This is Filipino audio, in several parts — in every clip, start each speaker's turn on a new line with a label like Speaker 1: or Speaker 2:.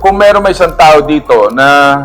Speaker 1: kung meron may isang tao dito na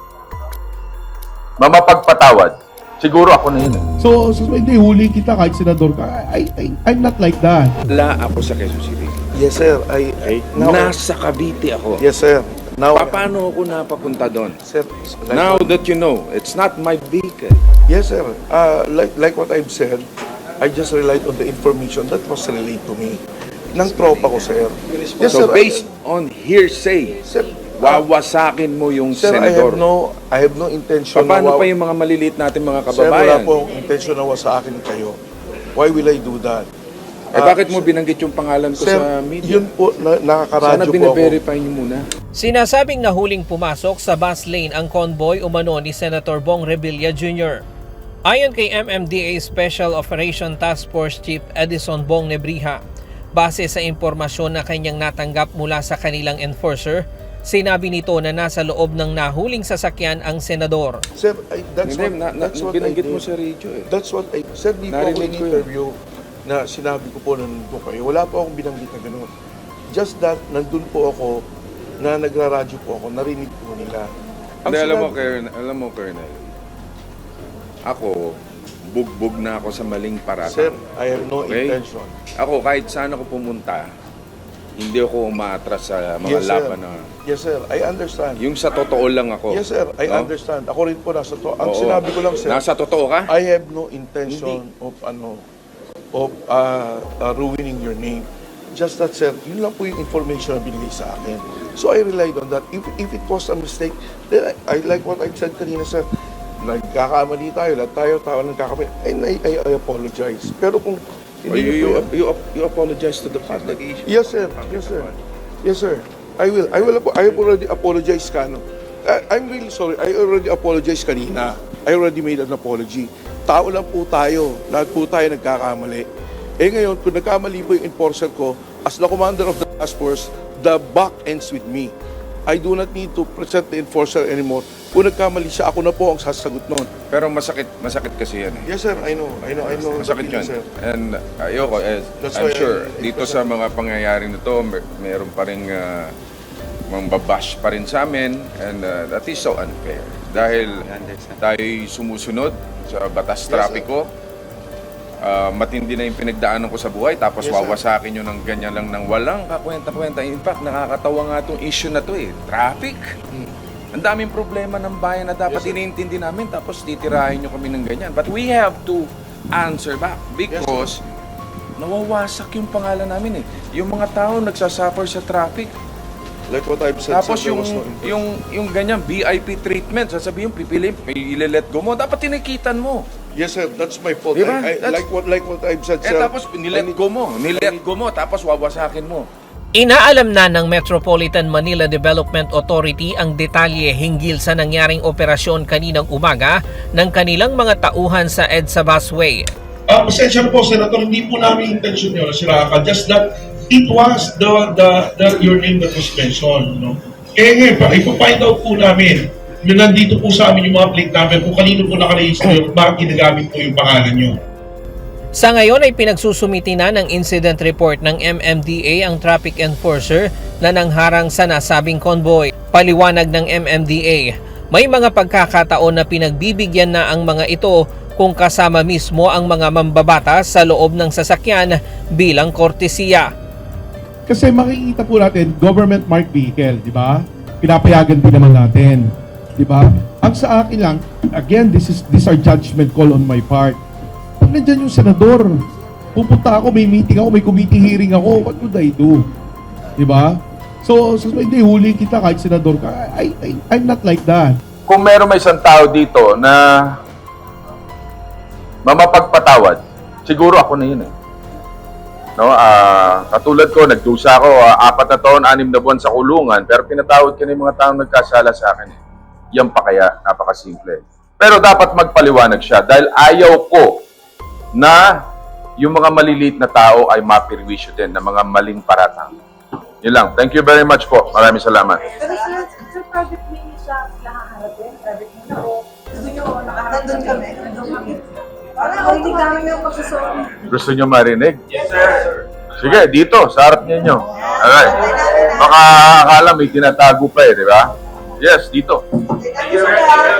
Speaker 1: mamapagpatawad, siguro ako na yun.
Speaker 2: So hindi, huli kita kahit senador ka. I'm not like that.
Speaker 3: Wala ako sa Quezon City.
Speaker 4: Yes, sir.
Speaker 3: Nasa Cavite ako.
Speaker 4: Yes, sir. Now,
Speaker 3: Paano ako napapunta doon?
Speaker 4: sir,
Speaker 3: Now that you know, it's not my vehicle.
Speaker 4: yes, sir. Like what I've said, I just relied on the information that was relayed to me ng tropa ko, sir. Yes,
Speaker 3: So
Speaker 4: sir.
Speaker 3: based on hearsay,
Speaker 4: Sir,
Speaker 3: wawasakin mo yung
Speaker 4: sir,
Speaker 3: senador.
Speaker 4: I have no intention
Speaker 3: Paano
Speaker 4: na
Speaker 3: pa yung mga maliliit natin mga
Speaker 4: Sir, wala
Speaker 3: kababayan?
Speaker 4: pong intention na sa akin kayo. Why will I do that?
Speaker 3: Bakit mo binanggit yung pangalan ko
Speaker 4: Sir,
Speaker 3: sa media?
Speaker 4: yun po,
Speaker 3: Sana
Speaker 4: nakakaradyo po ako.
Speaker 3: bine-verify niyo muna.
Speaker 5: Sinasabing nahuling pumasok sa bus lane ang convoy umano ni Senator Bong Revilla Jr. Ayon kay MMDA Special Operation Task Force Chief Edison Bong Nebrija, base sa impormasyon na kanyang natanggap mula sa kanilang enforcer, sinabi nito na nasa loob ng nahuling sasakyan ang senador.
Speaker 4: Sir, that's
Speaker 3: Hindi,
Speaker 4: what I
Speaker 3: binanggit mo
Speaker 4: did.
Speaker 3: sa radio eh.
Speaker 4: That's what I said. Di po ako
Speaker 3: Narinig ko yun.
Speaker 4: in-interview na sinabi ko po na nandun kayo. Wala po akong binanggit na gano'n. Just that, nandun po ako, na nagraradyo po ako, narinig po nila.
Speaker 3: Hindi, alam mo, Colonel, ako, bugbog na ako sa maling parata.
Speaker 4: Sir, I have no
Speaker 3: Okay?
Speaker 4: intention.
Speaker 3: Ako, kahit saan ako pumunta, hindi ako umaatras sa mga
Speaker 4: Yes, sir.
Speaker 3: laban na...
Speaker 4: Yes, sir. I understand.
Speaker 3: Yung sa totoo lang ako.
Speaker 4: Yes, sir. I
Speaker 3: No?
Speaker 4: understand. Ako rin po nasa to. Ang
Speaker 3: Oo.
Speaker 4: sinabi ko lang, sir,
Speaker 3: Nasa totoo ka?
Speaker 4: I have no intention of ruining your name. Just that, sir, yun lang po yung information na binigay sa akin. So I relied on that. If it was a mistake, then I like what I said kanina, sir. Nagkakamali tayo, lahat tayo, tao nagkakamali. And I apologize. Pero kung
Speaker 3: Or
Speaker 4: hindi
Speaker 3: you apologize to the public?
Speaker 4: Yes, sir. Yes, sir. Yes, sir. I will. I have already apologized, Kano. I'm really sorry. I already apologized kanina. I already made an apology. Tao lang po tayo. Lahat po tayo nagkakamali. Eh ngayon, kung nagkamali po yung enforcer ko, as the commander of the task force, the buck ends with me. I do not need to present the enforcer anymore. Kung nagkamali siya, ako na po ang sasagot noon.
Speaker 3: Pero masakit kasi yan eh.
Speaker 4: Yes, sir. I know.
Speaker 3: Masakit yun.
Speaker 4: Sir.
Speaker 3: And ayoko,
Speaker 4: That's
Speaker 3: I'm
Speaker 4: why
Speaker 3: sure,
Speaker 4: I-
Speaker 3: dito sa mga pangyayari na to, meron pa rin mambabash pa rin sa amin, and that is so unfair. Dahil tayo'y sumusunod sa batas trapiko, matindi na yung pinagdaanan ko sa buhay, tapos
Speaker 4: Yes, sir.
Speaker 3: wawasakin nyo ng ganyan lang ng walang kakwenta-kwenta. In fact, nakakatawa nga itong issue na to eh. Traffic. Ang daming problema ng bayan na dapat
Speaker 4: Yes, sir.
Speaker 3: iniintindi namin, tapos titirahin nyo kami ng ganyan. But we have to answer back because nawawasak yung pangalan namin eh. Yung mga tao nagsasuffer sa traffic.
Speaker 4: Like what I've said,
Speaker 3: Tapos
Speaker 4: sir, there was no intention.
Speaker 3: yung ganyan VIP treatment, sasabihin pipiliin, ile-let go mo, dapat tinikitan mo.
Speaker 4: Yes, sir. That's my fault.
Speaker 3: Diba?
Speaker 4: Like what I've said, sir.
Speaker 3: Tapos nilet go mo, tapos wawasakin mo.
Speaker 5: Inaalam na ng Metropolitan Manila Development Authority ang detalye hinggil sa nangyaring operasyon kaninang umaga ng kanilang mga tauhan sa EDSA Busway.
Speaker 2: Pasensya na po, Senator, hindi po namin intention yun, Siraka. Just that it was your name that was mentioned. No? Ngayon pa, ipo-find out po namin na nandito po sa amin yung mga plate number kung kanino po nakaregister at bakit ginagamit po yung pangalan nyo.
Speaker 5: Sa ngayon ay pinagsusumiti na ng incident report ng MMDA ang traffic enforcer na nangharang sa nasabing convoy. Paliwanag ng MMDA, may mga pagkakataon na pinagbibigyan na ang mga ito kung kasama mismo ang mga mambabatas sa loob ng sasakyan bilang kortesiya.
Speaker 2: Kasi makikita po natin, government marked vehicle, di ba? Pinapayagan din naman natin, di ba? Ang sa akin lang, again, these are judgment call on my part. Pag nandyan yung senador, pupunta ako, may meeting ako, may committee hearing ako, what would I do? Di ba? So hindi, huli kita kahit senador ka. I'm not like that.
Speaker 1: Kung meron may isang tao dito na mamapagpatawad, siguro ako na yun eh. No, katulad ko, nagdusa ako 4 na taon, 6 na buwan sa kulungan, pero pinatawad ko na yung mga taong nagkasala sa akin eh. Yan pa kaya, napakasimple. Pero dapat magpaliwanag siya dahil ayaw ko na yung mga maliliit na tao ay mapirwisyo din ng mga maling paratang. Yun lang. Thank you very much po. Maraming salamat.
Speaker 6: Pero sir, private mo niyo siya nakaharapin? Private mo na o gusto niyo nakaharap? Nandun kami. Parang hindi kami yung pagsusunod.
Speaker 1: Gusto nyo marinig? Yes, sir. Sige, dito, sa harap ninyo. Alright. Baka akala may tinatago pa eh, di ba? Yes, dito.
Speaker 6: Teka,